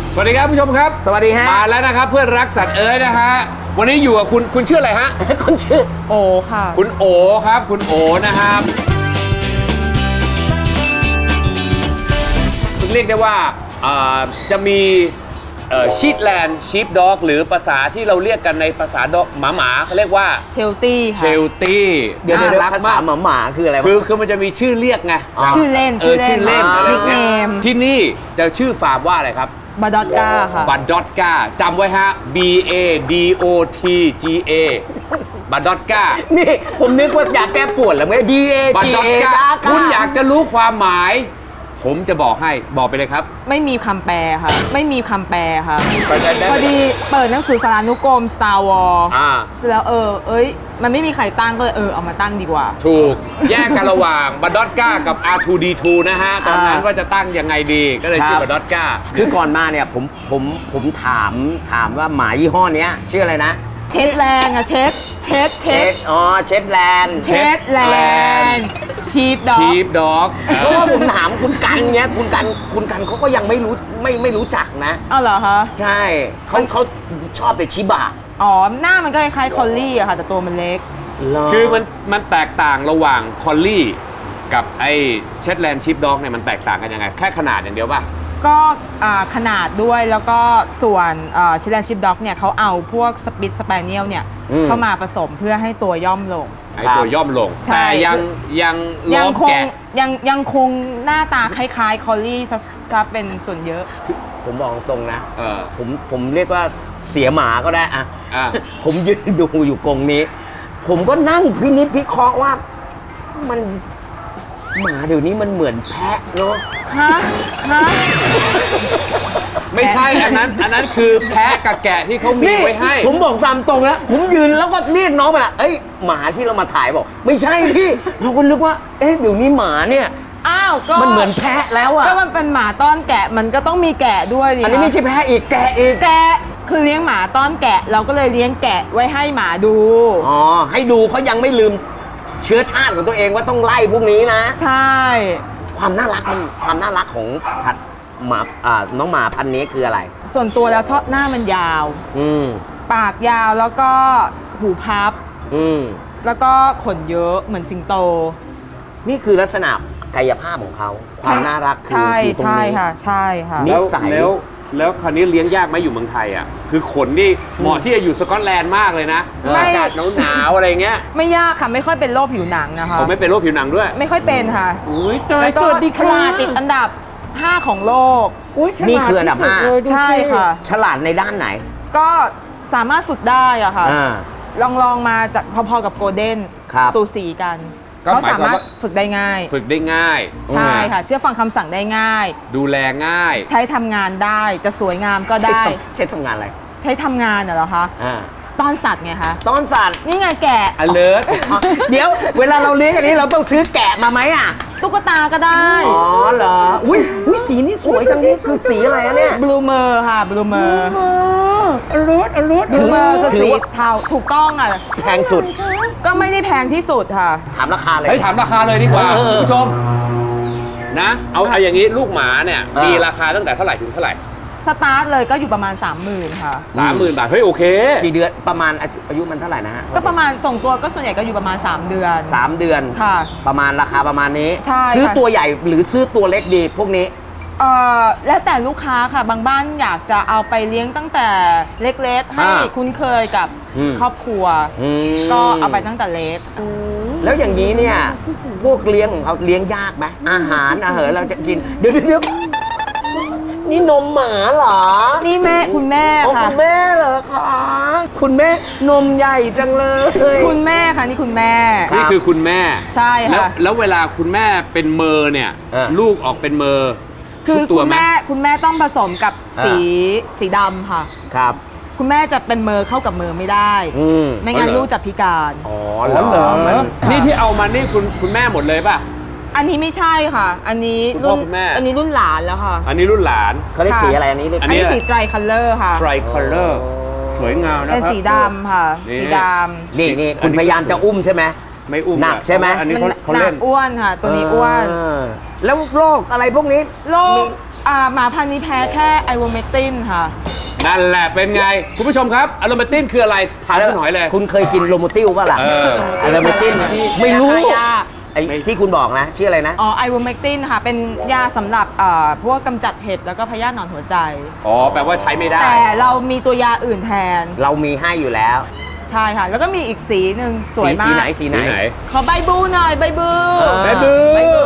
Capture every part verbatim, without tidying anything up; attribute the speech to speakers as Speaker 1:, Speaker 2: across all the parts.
Speaker 1: สวัสดีครับผู้ชมครับ
Speaker 2: สวัสดีฮะ
Speaker 1: มาแล้วนะครับเพื่อนรักสัตว์เอ๋ยนะฮะวันนี้อยู่กับคุณคุณชื่ออะไรฮะ
Speaker 2: คุณชื่อ
Speaker 3: โอค่ะ
Speaker 1: คุณโอครับคุณโอนะครับเรียกได้ว่าจะมีชีทแลนด์ชีฟด็อกหรือภาษาที่เราเรียกกันในภาษาดอกหมาหมาเขาเรียกว่า
Speaker 3: เชลตี้
Speaker 1: เชลตี้
Speaker 2: เดี๋ยวเดี๋ยวภาษาหมาหมาคืออะไร
Speaker 1: คือคือมันจะมีชื่อเรียกไง
Speaker 3: ชื่อเล่น
Speaker 1: ชื่อเล่น
Speaker 3: นิกเนม
Speaker 1: ที่นี่จะชื่อฟาร์มว่าอะไรครับ
Speaker 3: บาดอตกาค่ะ
Speaker 1: บาดอตกาจำไว้ฮะ B A D O T G A บาดอตกา
Speaker 2: นี่ผมนึกว่าอยากแก้ปวดแล้วไง D A G A
Speaker 1: คุณอยากจะรู้ความหมายผมจะบอกให้บอกไปเลยครับ
Speaker 3: ไม่มีคำแปลค่ะไม่มีคำแปลค่ะพอดีเปิดหนังสือสารานุกรม Star Wars
Speaker 1: อ่า
Speaker 3: เสร็จแล้วเออเอ้ยมันไม่มีใครตั้งก็เลยเออเอามาตั้งดีกว่า
Speaker 1: ถูกแยกกันระหว่างบาดอตกากับ อาร์ ทู ดี ทู นะฮะตอนนั้นว่าจะตั้งยังไงดีก็เลยชื่อบาดอตกา
Speaker 2: คือก่อนมาเนี่ยผมผมผมถามถามว่าหมายี่ห้อนี้ชื่ออะไรนะ
Speaker 3: เช็ดแลนด์อะเช็ดเช็ด
Speaker 2: เช็ดอ๋อเช็ดแลนด์
Speaker 3: เช็ดแลนด์ชีฟด็อก
Speaker 1: ชีฟด็อก
Speaker 2: เพราะว่าผมถามคุณกันเนี้ยคุณกันคุณกันเขาก็ยังไม่รู้ไม่ไม่รู้จักนะ
Speaker 3: อ้าวเหรอคะ
Speaker 2: ใช่เขาเขาชอบแต่ชิบะ
Speaker 3: อ๋อหน้ามันก็คล้ายๆคอลลี่อะค่ะแต่ตัวมันเล็ก
Speaker 1: คือมันมันแตกต่างระหว่างคอลลี่กับไอ้เช็ดแลนด์ชีฟด็อกเนี่ยมันแตกต่างกันยังไงแค่ขนาดอย่างเดียวป่ะ
Speaker 3: ก็ขนาดด้วยแล้วก็ส่วนชิลแลนด์ชิปด็อกเนี่ยเขาเอาพวกสปิทสเปเนียลเนี่ยเข้ามาผสมเพื่อให้ตัวย่อมลง
Speaker 1: ให้ตัวย่อมลงแต่ยังยัง
Speaker 3: ยังคงยังยังคงหน้าตาคล้ายๆคอลลี่จะเป็นส่วนเยอะ
Speaker 2: ผมบอกตรงนะผมผมเรียกว่าเสียหมาก็ได้อะผมยืนดูอยู่กรงนี้ผมก็นั่งพินิจพิเคราะห์ว่ามันหมาเดี๋ยวนี้มันเหมือนแพะเนาะ
Speaker 3: ฮะฮะ
Speaker 1: ไม่ใช่อันนั้นอันนั้นคือแพะกับแกะที่เขามีไว้ให้
Speaker 2: ผมบอกตามตรงแล้วผมยืนแล้วก็เรียกน้องไปละเอ้ยหมาที่เรามาถ่ายบอกไม่ใช่พี่เราก็นึกว่าเอ๊ะเดี๋ยวนี้หมาเนี่ย
Speaker 3: อ้าวก็
Speaker 2: มันเหมือนแพะแล้วอะ
Speaker 3: ก็มันเป็นหมาต้อนแกะมันก็ต้องมีแกะด้วยดิ
Speaker 2: อันนี้ไม่ใช่แพะอีกแกะอีก
Speaker 3: แกะคือเลี้ยงหมาต้อนแกะเราก็เลยเลี้ยงแกะไว้ให้หมาดู
Speaker 2: อ๋อให้ดูเขายังไม่ลืมเชื้อชาติของตัวเองว่าต้องไล่พวกนี้นะ
Speaker 3: ใช่
Speaker 2: ความน่ารักมันความน่ารักของผัดหมาอ่าน้องหมาพันธุ์นี้คืออะไร
Speaker 3: ส่วนตัวแล้วชอบหน้ามันยาว
Speaker 2: อืม
Speaker 3: ปากยาวแล้วก็หูพับ
Speaker 2: อืม
Speaker 3: แล้วก็ขนเยอะเหมือนสิงโต
Speaker 2: นี่คือลักษณะกายภาพของเขาความน่ารัก
Speaker 3: คือใช่ใช่ค่ะใช่ค่ะ
Speaker 1: นิสัยแล้วแล้วคราวนี้เลี้ยงยากไหมอยู่เมืองไทยอ่ะคือขนนี่เหมาะที่จะอยู่สกอตแลนด์มากเลยนะอากาศหนาวๆอะไรเงี้ย
Speaker 3: ไม่ยากค่ะไม่ค่อยเป็นโรคผิวหนังนะคะ
Speaker 1: ผมไม่เป็นโรคผิวหนังด้วย
Speaker 3: ไม่ค่อยเป็นค่ะ
Speaker 1: อุ้ย
Speaker 3: แล้วก็ฉลาดติดอันดับห้าของโลก
Speaker 2: นี่คืออันดับห้า
Speaker 3: ใช่ค่ะ
Speaker 2: ฉลาดในด้านไหน
Speaker 3: ก็สามารถฝึกได้อะค่ะลองลองมาจากพอๆกับโกลเด้นสูสีกันเขาสามารถฝึกได้ง่าย
Speaker 1: ฝึกได้ง่าย
Speaker 3: ใช่ค่ะเชื่อฟังคำสั่งได้ง่าย
Speaker 1: ดูแลง่าย
Speaker 3: ใช้ทำงานได้จะสวยงามก็ได้
Speaker 2: ใช้ทำงานอะไร
Speaker 3: ใช้ทำงานเหรอคะต้อนสัตว์ไงคะ
Speaker 2: ต้อนสัตว์
Speaker 3: นี่ไงแกะ
Speaker 1: alert
Speaker 2: เดี๋ยวเวลาเราเลี้ยงอันนี้เราต้องซื้อแกะมาไหมอ่ะ
Speaker 3: ตุ๊กตาก็ได้
Speaker 2: อ๋อเหรออุ้ยอุ้ยสีนี่สวยจังนี่คือสีอะไรอะเนี่ย
Speaker 3: บลูเมอร์ค่ะบลูเมอร์
Speaker 2: อรุณอรุณ
Speaker 3: บลูเมอร์คือสีเทาถูกต้องอ่ะ
Speaker 2: แพงสุด
Speaker 3: ก็ไม่ได้แพงที่สุดค่ะ
Speaker 2: ถามราคาเลย
Speaker 1: เฮ้ยถามราคาเลยดีกว่าคุณผู้ชมนะเอาเอาอย่างนี้ลูกหมาเนี่ยมีราคาตั้งแต่เท่าไหร่ถึงเท่าไหร่
Speaker 3: สตาร์ทเลยก็อยู่ประมาณ สามหมื่น ค่ะ
Speaker 1: สามหมื่น บาทเฮ้ยโอเค
Speaker 2: กี่เดือนประมาณอายุมันเท่าไหร่นะฮะ
Speaker 3: ก็ประมาณส่งตัวก็ส่วนใหญ่ก็อยู่ประมาณสามเดือน
Speaker 2: สามเดือน
Speaker 3: ค่ะ
Speaker 2: ประมาณราคาประมาณนี้
Speaker 3: ใช่
Speaker 2: ซื้อตัวใหญ่หรือซื้อตัวเล็กดีพวกนี้
Speaker 3: เอ่อแล้วแต่ลูกค้าค่ะบางบ้านอยากจะเอาไปเลี้ยงตั้งแต่เล็กๆให้คุ้นเคยกับครอบครัวก็เอาไปตั้งแต่เล็ก
Speaker 2: แล้วอย่างนี้เนี่ยพวกเลี้ยงของเขาเลี้ยงยากไหมอาหารอาหารเราจะกินเดี๋ยวเดี๋ยวนี่นมหมาเหรอ
Speaker 3: นี่แม่คุณแม่ค่ะ
Speaker 2: คุณแม่เหรอคะคุณแม่นมใหญ่จังเลย
Speaker 3: คุณแม่ค่ะนี่คุณแม่
Speaker 1: นี่คือคุณแม่
Speaker 3: ใช่ค่ะ
Speaker 1: แล้วเวลาคุณแม่เป็นเมอร์เนี่ยลูกออกเป็นเมอร์
Speaker 3: คือคุณแม่คุณแม่ต้องผสมกับสีสีดำค่ะ
Speaker 2: ครับ
Speaker 3: คุณแม่จะเป็นเมอร์เข้ากับเมอร์ไม่ได้ไม่งั้นลูกจะพิการ
Speaker 1: อ๋อแล้วเหรอนี่ที่เอามานี่คุณคุณแม่หมดเลยป่ะ
Speaker 3: อันนี้ไม่ใช่ค่ะอันนี้รุ่นอันนี้รุ่นหลานแล้วค่ะ
Speaker 1: อันนี้รุ่นหลาน
Speaker 2: เขาเรียกสีอะไรอันนี้
Speaker 3: อันนี้สีไตรคัลเลอร์ค่ะ
Speaker 1: ไตรคัลเลอร์สวยงามนะครับ
Speaker 3: เป็นสีดำค่ะสีด
Speaker 2: ำนี่นี่คุณพยายามจะอุ้มใช่ไหม
Speaker 1: ไม่อุ้ม
Speaker 2: หนักใช่ไหม
Speaker 1: อันนี้เขา
Speaker 3: เล่นอ้วนค่ะตัวนี้อ้วน
Speaker 2: แล้วโรคอะไรพวกนี้
Speaker 3: โรคอ่าหมาพันธุ์นี้แพ้แค่ไอโวเมกตินค่ะ
Speaker 1: นั่นแหละเป็นไง คุณผู้ชมครับอะโรเมตินคืออะไรถามคุณหอยเลย
Speaker 2: คุณเคยกินโลโมติลป่ะล่ะ
Speaker 1: เออ
Speaker 2: อะโลโมติลไม่รู้
Speaker 3: ยา
Speaker 2: ไอ้ที่คุณบอกนะ ชื่ออะไรนะ
Speaker 3: อ๋อไอโวเมกตินค่ะ เป็นยาสำหรับเอ่อพวกกำจัดเห็บแล้วก็พยาธิหนอนหัวใจ
Speaker 1: อ๋อแปลว่าใช้ไม่ได้
Speaker 3: แต่เรามีตัวยาอื่นแทน
Speaker 2: เรามีให้อยู่แล้ว
Speaker 3: ใช่ค่ะ แล้วก็มีอีกสีหนึ่งสวย
Speaker 2: สี
Speaker 3: มา
Speaker 2: สี
Speaker 3: ก
Speaker 2: ไหนสีไหน
Speaker 1: สีไหน
Speaker 3: ขอใบบูหน่อยใบบู
Speaker 2: เออ
Speaker 1: ใบบู
Speaker 2: ใบบู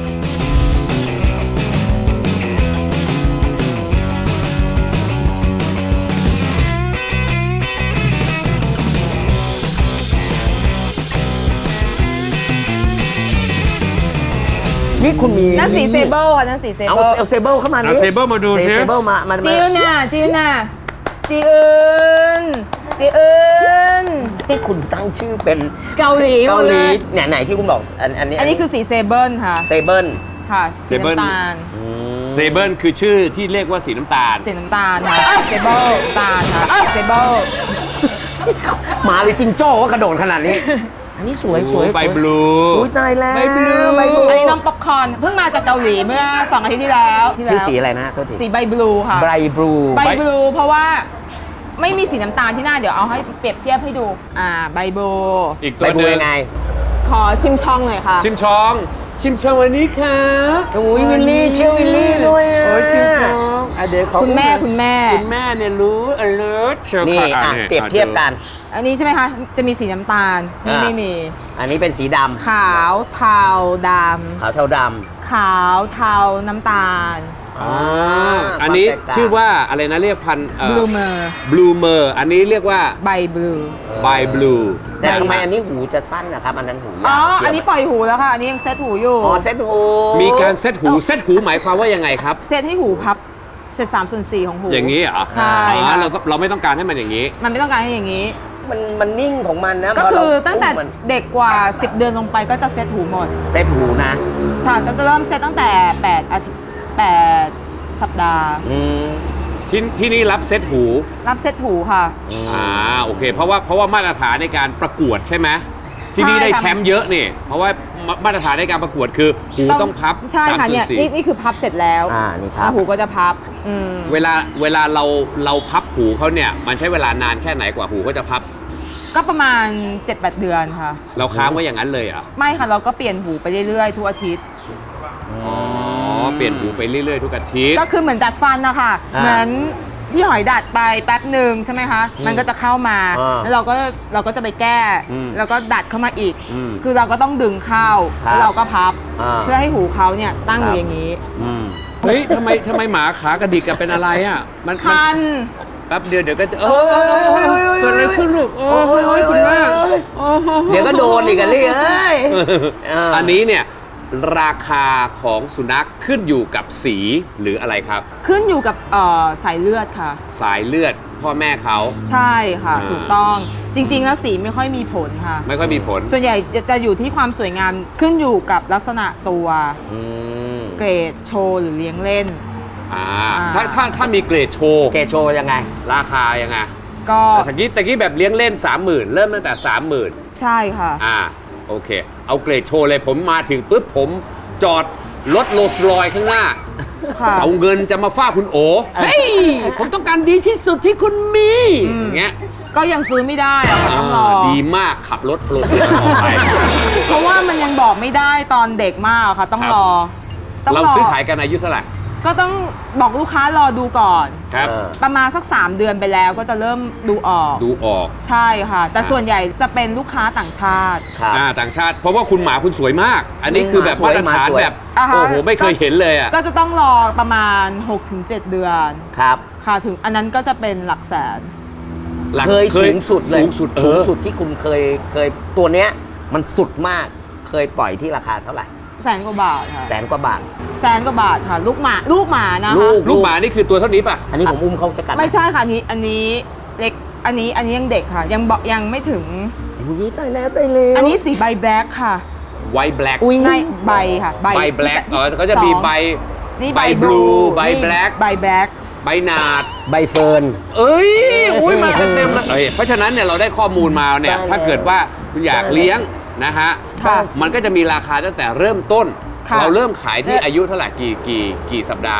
Speaker 2: นี่คุณมี
Speaker 3: นั่นสีเซเบิลค่ะนั่นสีเซ
Speaker 2: เอา
Speaker 3: เบิล
Speaker 2: เอาเซเบิลเข้ามา
Speaker 1: เอาเซเบิลมาดูสิ
Speaker 2: เซเบิลมามา
Speaker 3: จี
Speaker 2: มา
Speaker 3: นน่ะจีนน่ะจีอื่นจีอื่น
Speaker 2: ที่คุณตั้งชื่อเป็น
Speaker 3: เกาหลี
Speaker 2: เกาหลี
Speaker 3: มดย
Speaker 2: เนี่ยไหนที่คุณบอกอันอันนี้
Speaker 3: อันนี้คือสีเซเบิลค่ะ
Speaker 2: เซเบิล
Speaker 3: ค่ะสี
Speaker 1: Sable
Speaker 3: น้ำตาล
Speaker 1: เซเบิลคือชื่อที่เรียกว่าสีน้ำตาล
Speaker 3: สีน้ำตาลค่ะเซเบิลน้ำตาลค่ะเซเบิล
Speaker 2: หมาหรือจิงโจ้ก็กระโดดขนาดนี้ อันนี้สวยสวย
Speaker 1: ใบ
Speaker 2: สวย
Speaker 1: บลู
Speaker 2: อุ้ยตายแล้ว
Speaker 1: ใบ blue
Speaker 2: ใบ blue
Speaker 3: อันนี้น้องป๊อปคอร์นเพิ่งมาจากเกาหลีเมื่อสองอาทิตย์ที่แล้วที่
Speaker 2: ชื่อ
Speaker 3: แล้ว
Speaker 2: สีอะไรนะโทษที
Speaker 3: สีใบบลูค่ะ
Speaker 2: ไบรบลู
Speaker 3: ใบบลูเพราะว่าไม่มีสีน้ำตาลที่หน้าเดี๋ยวเอาให้เปรียบเทียบให้ดูอ่าใบบลู
Speaker 1: อีก
Speaker 2: ไบ
Speaker 1: ตัว
Speaker 2: รบ
Speaker 1: ห
Speaker 2: ลู
Speaker 1: นึง
Speaker 3: ข
Speaker 2: ยังไง
Speaker 3: อชิมช่องหน่อยค่ะ
Speaker 1: ชิมชอง ชิมชองวันนี้ครับ
Speaker 2: อุ้ยวิลลี่เชื่อวิลลี่ด้วยอ่ะ
Speaker 1: โอ้ยชิมชองอ่ะเดี๋ยวเขา
Speaker 3: คุณแม่คุณแม่
Speaker 1: คุณแม่เนี่ยรู้ alert เชียว
Speaker 2: นี่
Speaker 1: ค่ะ
Speaker 2: อ่ะ
Speaker 1: นี่
Speaker 2: เปรียบเทียบกัน
Speaker 3: อันนี้ใช่ไหมคะ จะมีสีน้ำตาลนี่
Speaker 2: อ่า
Speaker 3: ไม่มี
Speaker 2: อันนี้เป็นสีดำ
Speaker 3: ขาวเทาด
Speaker 2: ขาวเทาด
Speaker 3: ำขาวเทาน้ำตาล
Speaker 2: ำ
Speaker 1: อ่าอันนี้
Speaker 2: ความแตกต่าง
Speaker 1: ชื่อว่าอะไรนะเรียกพัน
Speaker 3: บลูเมอร์
Speaker 1: บลูเมอร์อันนี้เรียกว่า
Speaker 3: ใบบลู
Speaker 1: ใบบลู
Speaker 2: แต่ทำไมอันนี้หูจะสั้นนะครับ อันนั้นหูยาว
Speaker 3: อ๋อ
Speaker 2: เทียบ
Speaker 3: อันนี้ปล่อยหูแล้วค่ะ อันนี้ยังเซตหูอยู่
Speaker 2: อ๋อเซ็ตหู
Speaker 1: มีการเซตหูเซตหูหมายความว่ายังไงครับ
Speaker 3: เซตให้หูพับเซตสามส่วนสี่ของหู
Speaker 1: อย่างนี้เหรอ
Speaker 3: ใช่
Speaker 1: อ๋อ
Speaker 3: ค่ะ
Speaker 1: เราต้องเราไม่ต้องการให้มันอย่างนี้
Speaker 3: มันไม่ต้องการให้อย่างนี้
Speaker 2: มันมันนิ่งของมันนะ
Speaker 3: ก็
Speaker 2: พ
Speaker 3: คือ
Speaker 2: เรา
Speaker 3: ตั้งแต่
Speaker 2: มัน
Speaker 3: เด็กกว่า สิบ เดือนลงไปก็จะเซตหูหมด
Speaker 2: เซ็ตหูนะ
Speaker 3: ค่ะจะเริ่มเซตตั้งแต่แปดอาทิตย์แปดสัปดาห์
Speaker 2: อืม
Speaker 1: ที่ที่นี่รับเซตหู
Speaker 3: รับเซตหูค่ะ
Speaker 1: อ่าโอเค เพราะว่าเพราะว่ามาตรฐานในการประกวดใช่ไหมที่นี่
Speaker 3: ใช่
Speaker 1: ได้
Speaker 3: ค่ะ
Speaker 1: แชมป์เยอะนี่ เพราะว่ามามาตรฐานในการประกวดคือหูต้องพับ
Speaker 3: ใช่ค่ะเนี่ย
Speaker 1: สามส่วสี่
Speaker 3: นี่นี่คือพับเสร็จแล้ว
Speaker 2: อ่านี่ครับ
Speaker 3: แล้วหูก็จะพับอืม
Speaker 1: เวลาเวลาเราเราพับหูเขาเนี่ยมันใช้เวลานานแค่ไหนกว่าหูเขาจะพับ
Speaker 3: ก็ประมาณ เจ็ดแปด เดือนค่ะ
Speaker 1: เราค้างไว้อย่างนั้นเลยเหรอ่ะ
Speaker 3: ไม่ค่ะ เราก็เปลี่ยนหูไปเรื่อยๆ ทุกอาทิตย์
Speaker 1: อ๋อเปลี่ยนหูไปเรื่อยๆทุกอาทิตย์
Speaker 3: ก็คือเหมือนดัดฟันนะคะ
Speaker 2: อ่า
Speaker 3: เหมือนพี่หอยดัดไปแป๊บหนึ่งใช่ไหมคะ มันก็จะเข้ามา
Speaker 2: อ่า
Speaker 3: แล้วเราก็เราก็จะไปแก้
Speaker 1: อืม
Speaker 3: แล้วก็ดัดเข้ามาอีก
Speaker 1: อืม
Speaker 3: คือเราก็ต้องดึงเข้า
Speaker 2: ครับ
Speaker 3: แล้วเราก็พับ
Speaker 2: อ่า
Speaker 3: เพื่อให้หูเขาเนี่ยตั้งอยู่อย่างนี้
Speaker 2: อืม
Speaker 1: เฮ้ยทำไมทำไมหมาขากระดิกกันเป็นอะไรอ่ะมันมัน
Speaker 3: คัน
Speaker 1: แป๊บเดียวเดี๋ยวก็จะเออเออเออเออเกิดอะไรขึ้นลูกโอ้ยโอ้ยคุณแม่โอ้โห
Speaker 2: เดี๋ยวก็โดนอีกกันเลยเอ้ย เอออั
Speaker 1: อันนี้เนี่ยราคาของสุนัขขึ้นอยู่กับสีหรืออะไรครับ
Speaker 3: ขึ้นอยู่กับเอ่อสายเลือดค่ะ
Speaker 1: สายเลือดพ่อแม่เขา
Speaker 3: ใช่ค่ะ
Speaker 1: อ่า
Speaker 3: ถูกต้องจริง ๆ แล้วสีไม่ค่อยมีผลค่ะ
Speaker 1: ไม่ค่อยมีผล
Speaker 3: ส่วนใหญ่จะจะอยู่ที่ความสวยงามขึ้นอยู่กับลักษณะตัว
Speaker 2: อืม
Speaker 3: เกรดโชว์หรือเลี้ยงเล่น
Speaker 1: อ่า
Speaker 3: อ่า
Speaker 1: ถ้าถ้าถ้ามีเกรดโชว์
Speaker 2: เกรดโชว์ยังไง
Speaker 1: ราคายังไง
Speaker 3: ก็
Speaker 1: ตะกี้ตะกี้แบบเลี้ยงเล่น สามหมื่น เริ่มตั้งแต่ สามหมื่น
Speaker 3: ใช่ค่ะ
Speaker 1: อ่าโอเค เอาเกรดโชว์เลยผมมาถึงปุ๊บผมจอดรถโรลส์รอยซ์ข้างหน้า
Speaker 3: ค่ะ
Speaker 1: เอาเงินจะมาฟาดคุณโอเฮ้ย ผมต้องการดีที่สุดที่คุณมีอย่างเงี้ย
Speaker 3: ก็ยังซื้อไม่ได้อะค่ะต้องรอ
Speaker 1: อ่าดีมากขับรถโรลส์รอยซ์ออกไป
Speaker 3: เพราะว่ามันยังบอกไม่ได้ตอนเด็กมากค่ะ ต้อง
Speaker 1: ครับ
Speaker 3: รอต้อง
Speaker 1: เรา
Speaker 3: รอ
Speaker 1: ซื้อขายกันอายุเท่าไหร่
Speaker 3: ก็ต้องบอกลูกค้ารอดูก่อน
Speaker 1: ครับ
Speaker 2: เออ
Speaker 3: ประมาณสัก สาม เดือนไปแล้วก็จะเริ่มดูออก
Speaker 1: ดูออก
Speaker 3: ใช่ค่ะ แต่
Speaker 1: อ่า
Speaker 3: ส่วนใหญ่จะเป็นลูกค้าต่างชาติ
Speaker 2: ครับ
Speaker 1: อ่าต่างชาติ เพราะว่าคุณหมาคุณสวยมาก อันนี้คือแบบ
Speaker 2: หมาสวย
Speaker 1: มาตรฐาน
Speaker 2: หมาสวย
Speaker 1: แบบ
Speaker 3: อ่าฮะ
Speaker 1: โอ้โหไม่เคยเห็นเลยอ่ะ
Speaker 3: ก็จะต้องรอประมาณ หกถึงเจ็ด เดือน
Speaker 2: ครับ
Speaker 3: ค่ะถึงอันนั้นก็จะเป็นหลักแสน
Speaker 1: หลัก
Speaker 2: เคยสูงสุดเลย
Speaker 1: สูงสุดเอ
Speaker 2: สูง
Speaker 1: อ
Speaker 2: สุดที่คุณเคยเคยตัวเนี้ยมันสุดมากเคยปล่อยที่ราคาเท่าไหร่
Speaker 3: แสนกว่าบาทค่ะ
Speaker 2: แสนกว่าบาท
Speaker 3: แสนกว่าบาทค่ะ ลูกหมาลูกหมานะคะ
Speaker 2: ลูก
Speaker 1: ลูกหมานี่คือตัวเท่านี้ป่ะ
Speaker 2: อันนี้ผมอุ้มเขาจะกัด
Speaker 3: ไม่ใช่ค่ะอันนี้อันนี้เล็กอันนี้อันนี้ยังเด็กค่ะ ยังบอกยังไม่ถึง
Speaker 2: อุ้ยตายแล้วตายแล้ว
Speaker 3: อันนี้สีใบแบล็คค่ะ
Speaker 1: ไวท์แบล็ก
Speaker 2: อุ้ย
Speaker 3: ในใบค่ะใบ
Speaker 1: ใบแบล็กอ๋อก็จะมีใบ
Speaker 3: นี่
Speaker 1: ใบ
Speaker 3: ใบ
Speaker 1: blue ใบ
Speaker 3: นี่
Speaker 1: black
Speaker 3: ใบแบล็ค
Speaker 1: ใบหนาด
Speaker 2: ใบเฟิร์น
Speaker 1: เอ้ย อุ้ยมากันเต็มเลยเอ้ยเพราะฉะนั้นเนี่ยเราได้ข้อมูลมาเนี่ย
Speaker 2: ได้แล้ว
Speaker 1: ถ้าเกิดว่าคุณอยากเลี้ยงนะฮะ
Speaker 3: ค่ะ
Speaker 1: มันก็จะมีราคาตั้งแต่เริ่มต้น
Speaker 3: ค่ะ
Speaker 1: เราเริ่มขายที่
Speaker 3: เนี่ย
Speaker 1: อายุเท่าไหร่กี่กี่กี่สัปดาห์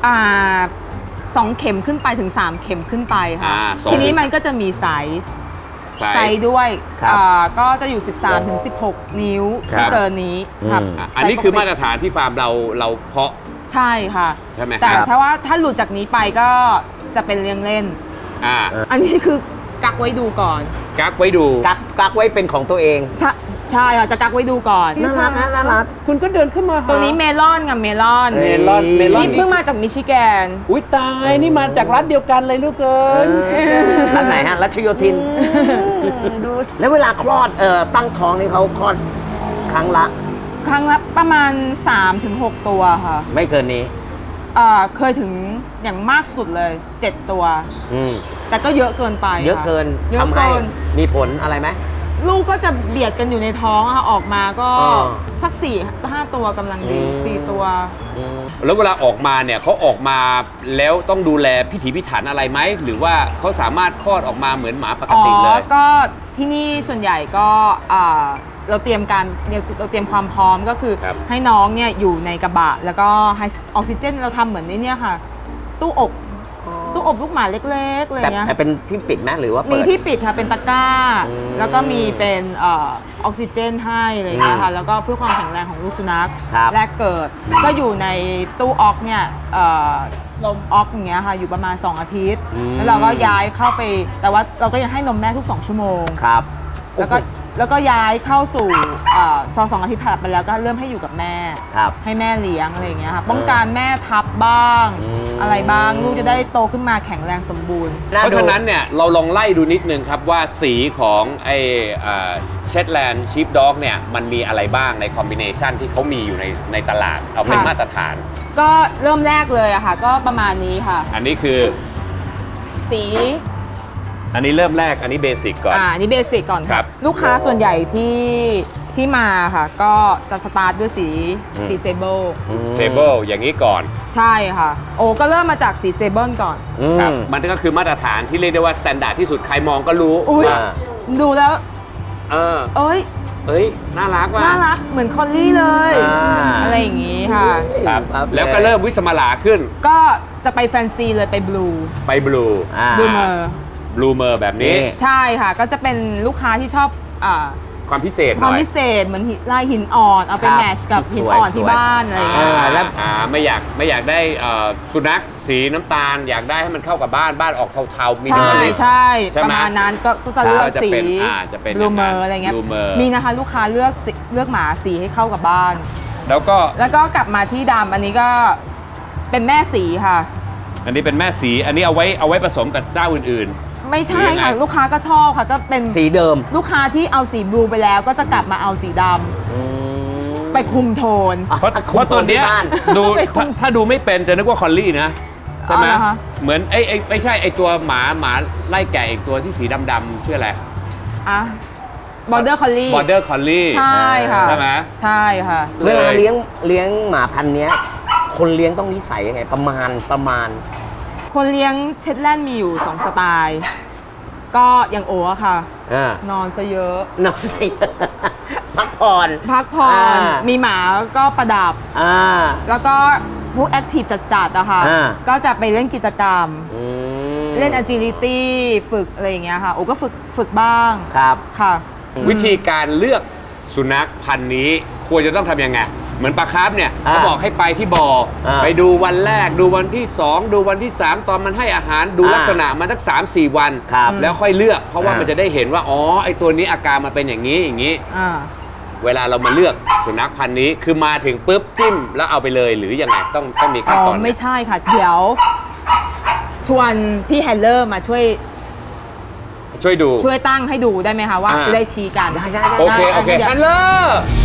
Speaker 3: อ่าสองเข็มขึ้นไปถึง สาม เข็มขึ้นไปค่ะ
Speaker 1: อ่าสอง
Speaker 3: ทีนี้มันก็จะมีไซส์ ไซส์ด้วย
Speaker 2: ครับ
Speaker 3: อ่าก็จะอยู่ สิบสามถึงสิบหก นิ้ว
Speaker 1: ครับ
Speaker 3: ไม่เกินนี้ครับ
Speaker 2: อืม
Speaker 1: อ่ะอันนี้คือมาตรฐานที่ฟาร์มเราเราเพาะ
Speaker 3: ใช่ค่ะ
Speaker 1: ใช่ไหม
Speaker 3: แต่
Speaker 1: ครับ
Speaker 3: ถ้าว่าถ้าหลุดจากนี้ไปก็จะเป็นเลี้ยงเล่น
Speaker 1: อ่า
Speaker 3: อันนี้คือกักไว้ดูก่อน
Speaker 1: กักไว้ดู
Speaker 2: กักกักไว้เป็นของตัวเอง
Speaker 3: ใช่ใช่ค่ะจะกักไว้ดูก่อน
Speaker 2: น่ารักนะน่ารัก
Speaker 4: คุณก็เดินขึ้นมาหา
Speaker 3: ตัวนี้เมลอนกับเมลอน
Speaker 4: เมลอนเมลอน
Speaker 3: นี่เพิ่งมาจากมิชิแกน
Speaker 4: อุ้ยตายนี่มาจากรัฐเดียวกันเลยลูกเอ้ย
Speaker 2: ร้านไหนฮะรัชโยธิน
Speaker 4: ดู
Speaker 2: แล้วเวลาคลอดเอ่อตั้งท้องนี่เขาคลอดครั้งละ
Speaker 3: ครั้งละประมาณ สามถึงหก ตัวค่ะ
Speaker 2: ไม่เกินนี้
Speaker 3: เอ่อเคยถึงอย่างมากสุดเลย เจ็ด ตัว
Speaker 2: อืม
Speaker 3: แต่ก็เยอะเกินไป
Speaker 2: เยอะ
Speaker 3: ค่
Speaker 2: เกิน
Speaker 3: เยอะ
Speaker 2: ทำให้
Speaker 3: เกิน
Speaker 2: มีผลอะไรไหม
Speaker 3: ลูกก็จะเบียดกันอยู่ในท้องอะค่ะออกมาก็
Speaker 2: อ๋อ
Speaker 3: สักสี่ห้าตัวกำลังดี
Speaker 2: อืม
Speaker 3: สี่ตัว
Speaker 2: อืม
Speaker 1: แล้วเวลาออกมาเนี่ยเขาออกมาแล้วต้องดูแลพิถีพิถันอะไรไหม หรือว่าเขาสามารถคลอดออกมาเหมือนหมาปก
Speaker 3: อ๋อ
Speaker 1: ติเลย
Speaker 3: ก็ที่นี่ส่วนใหญ่ก็อ่าเราเตรียมการเราเตรียมความพร้อมก็คือ
Speaker 1: ครับ
Speaker 3: ให้น้องเนี่ยอยู่ในกระบะ แล้วก็ให้ออกซิเจนเราทำเหมือนในเนี่ยค่ะ ตู้อบตู้อบลูกหมาเล็กๆอะไร
Speaker 2: แต่
Speaker 3: เงี้ย
Speaker 2: แต่เป็นที่ปิดไหมหรือว่าเปิ
Speaker 3: มี
Speaker 2: ด
Speaker 3: ที่ปิดค่ะเป็นตะกร้า
Speaker 2: อืม
Speaker 3: แล้วก็มีเป็นเออออกซิเจนให้อะไรเงี้ยค่ะแล้วก็เพื่อความแข็งแรงของลูกสุนัข
Speaker 2: ครับ
Speaker 3: แรกเกิด ก็อยู่ในตู้ออกเนี่ยเอ่อลมออกอย่างเงี้ยค่ะอยู่ประมาณ สอง อาทิตย์ แล้วเราก็ย้ายเข้าไป แต่ว่าเราก็ยังให้นมแม่ทุก สอง ชั่วโมง
Speaker 2: ครับ
Speaker 3: แล้วก็แล้วก็ย้ายเข้าสู่เอ่อซอสองอาทิตย์ผ่านไปแล้วก็เริ่มให้อยู่กับแม่
Speaker 2: ครับ
Speaker 3: ให้แม่เลี้ยงอะไรอย่างเงี้ยค่ะป้องกันแม่ทับบ้าง
Speaker 2: อืม
Speaker 3: อะไรบ้างลูกจะได้โตขึ้นมาแข็งแรงสมบูรณ์
Speaker 1: เพราะฉะนั้นเนี่ยเราลองไล่ดูนิดนึงครับว่าสีของไอ้เชตแลนด์ชีฟด็อกเนี่ยมันมีอะไรบ้างในคอมบิเนชันที่เขามีอยู่ในในตลาด เอาเป็น
Speaker 3: ค่ะ
Speaker 1: มาตรฐาน
Speaker 3: ก็เริ่มแรกเลยอะค่ะก็ประมาณนี้ค่ะ
Speaker 1: อันนี้คือ
Speaker 3: สี
Speaker 1: อันนี้เริ่มแรกอันนี้เบสิกก่อน
Speaker 3: อ่านี่เบสิกก่อน
Speaker 1: ครั
Speaker 3: ค่ะ
Speaker 1: บ
Speaker 3: ลูกค้าส่วนใหญ่ที่ที่มาค่ะ ก็จะสตาร์ทด้วยสีสีเซเบิล
Speaker 1: เซเบิลอย่างนี้ก่อน
Speaker 3: ใช่ค่ะ โอ้ก็เริ่มมาจากสีเซเบิลก่อน
Speaker 2: อืม
Speaker 1: ครับมันก็คือมาตรฐานที่เรียกได้ว่าสแตนดาร์ดที่สุดใครมองก็รู้
Speaker 3: อุ้ย
Speaker 1: ว่า
Speaker 3: ดูแล้ว
Speaker 1: เออ
Speaker 3: เอ้ย
Speaker 1: เอ้ยน่ารักว่ะ
Speaker 3: น่ารักเหมือนคอลลี่เลย
Speaker 2: อ่า
Speaker 3: อะไรอย่างงี้ค่ะ
Speaker 1: ครับ
Speaker 2: ครับ
Speaker 1: แล้วก็เริ่มวิสมาลาขึ้น
Speaker 3: ก็จะไปแฟนซีเลยไปบลู
Speaker 1: ไปบลู
Speaker 2: อ่า
Speaker 3: บลูเมอร์
Speaker 1: บลูเมอร์แบบนี้
Speaker 2: นี่
Speaker 3: ใช่ค่ะ ก็จะเป็นลูกค้าที่ชอบอ่า
Speaker 1: ความพิเศษห
Speaker 3: ความ
Speaker 1: น่อย
Speaker 3: พิเศษเหมือนหินลายหินอ่อน เอาไป
Speaker 2: ครับ
Speaker 3: แมทชกับหินอ่อน
Speaker 2: สวยๆ
Speaker 3: ที่บ้านอะไรอย่าง
Speaker 1: อ่า
Speaker 3: เงี้ย
Speaker 2: แล้ว
Speaker 1: อ่าไม่อยากไม่อยากได้เอ่อสุนัขสีน้ำตาล อยากได้ให้มันเข้ากับบ้านบ้านออกเทาๆมี
Speaker 3: ใช่
Speaker 1: น้ำมัน
Speaker 3: ใช่
Speaker 1: ใช่
Speaker 3: ป
Speaker 1: ไหม
Speaker 3: ระมาณนั้นก็ก็จะเลือก
Speaker 1: ก็จะ
Speaker 3: สี
Speaker 1: เป็นอ่าจะเป็น
Speaker 3: บลูเมอ
Speaker 1: อย่างนั้น
Speaker 3: ร์อะไรเงี้ย
Speaker 1: Bloomer
Speaker 3: มีนะคะลูกค้าเลือกสีเลือกหมาสีให้เข้ากับบ้าน
Speaker 1: แล้วก็
Speaker 3: แล้วก็กลับมาที่ดำอันนี้ก็เป็นแม่สีค่ะ
Speaker 1: อันนี้เป็นแม่สี อันนี้เอาไว้เอาไว้ผสมกับเจ้าอื่น
Speaker 3: ไม่ใช่
Speaker 1: หรือยังไง
Speaker 3: ค่ะ ลูกค้าก็ชอบค่ะ ก็เป็น
Speaker 2: สีเดิม
Speaker 3: ลูกค้าที่เอาสีบลูไปแล้วก็จะกลับมาเอาสีดำ
Speaker 2: อืม
Speaker 3: ไปคุมโทน
Speaker 1: ๆ เพราะ
Speaker 2: อ่ะ
Speaker 1: เพราะตัวเนี้ย
Speaker 2: ที่บ้าน
Speaker 1: ดู
Speaker 3: ไปคุ
Speaker 1: ถ้าม ถ้าดูไม่เป็นจะนึกว่าคอลลี่นะ ใช่ไหม
Speaker 3: เอาเหรอคะ
Speaker 1: เหมือนไอ้ไอ้ไม่ใช่ไอ้ตัวหมาหมาไล่แกะอีกตัวที่สีดำๆชื่ออะไร
Speaker 3: อ่ะบอร์เดอร์คอลลี่
Speaker 1: บอร์เดอร์คอลลี่
Speaker 3: ใช่ค่ะ
Speaker 1: ใช่ไหม
Speaker 3: ใช่ค่ะ
Speaker 2: เวลาเลี้ยงเลี้ยงหมาพันธุ์เนี้ย คนเลี้ยงต้องนิสัยยังไง ประมาณประมาณ
Speaker 3: คนเลี้ยงเชตแลนด์มีอยู่ สอง สไตล์ ก็อย่างโออะค่ะ
Speaker 2: อ่าน
Speaker 3: อนซะเยอะ
Speaker 2: นอนสิ พักผ่อน
Speaker 3: พักผ่อน
Speaker 2: อ่า
Speaker 3: มีหมาก็ประดับ
Speaker 2: อ่า
Speaker 3: แล้วก็พวกแอคทีฟจัดๆอะค่ะ
Speaker 2: อ่า
Speaker 3: ก็จะไปเล่นกิจกรรม
Speaker 2: อืม
Speaker 3: เล่น agility ฝึกอะไรอย่างเงี้ยค่ะ โอ้ก็ฝึกฝึกบ้าง
Speaker 2: ครับ
Speaker 3: ค่ะ
Speaker 1: วิธีการเลือกสุนัขพันธุ์นี้ควรจะต้องทำยังไง เหมือนปลาคาร์ฟเนี่ย
Speaker 2: อ่า
Speaker 1: เขาบอกให้ไปที่บ่ออา ไปดูวันแรกดูวันที่ สอง ดูวันที่ สาม ตอนมันให้อาหารดู
Speaker 2: อ่า
Speaker 1: ลักษณะมันสักสามสี่วัน
Speaker 2: ครับ
Speaker 1: แล้วค่อยเลือก เพราะว่า
Speaker 2: อ่ามั
Speaker 1: มันจะได้เห็นว่า อ๋อ ไอตัวนี้อาการมันเป็นอย่างนี้อย่างนี้
Speaker 3: อ่า
Speaker 1: เวลาเรามาเลือกสุนัขพันธุ์นี้คือมาถึงปุ๊บจิ้มแล้วเอาไปเลยหรือยังไงต้องต้องมีขั้น
Speaker 3: อ๋อ
Speaker 1: ตอนไหม
Speaker 3: ไม่ใช่ค่ะ เดี๋ยว ชวนพี่แฮนเลอร์มาช่วย
Speaker 1: ช่วยดู
Speaker 3: ช่วยตั้งให้ดูได้ไหมคะว่า
Speaker 1: อ่า
Speaker 3: จะได้ชี้กัน
Speaker 2: ได้ได้ได้
Speaker 1: โอเคโอเค
Speaker 3: ได้
Speaker 1: ฮันเลอร์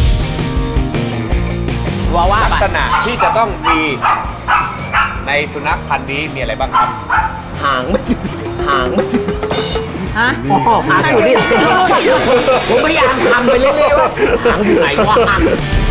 Speaker 2: ว่าว่า
Speaker 1: ลัก
Speaker 2: ไป
Speaker 1: ษณะที่จะต้องมีในสุนัขพันธุ์นี้มีอะไรบ้างครับ
Speaker 2: หางไม่หยุดหางไม่หยุด
Speaker 3: ฮะ
Speaker 2: อ๋อหางอยู่นี่ผมพยายามทำไปเรื่อยๆว่าหางอยู่ไหนวะ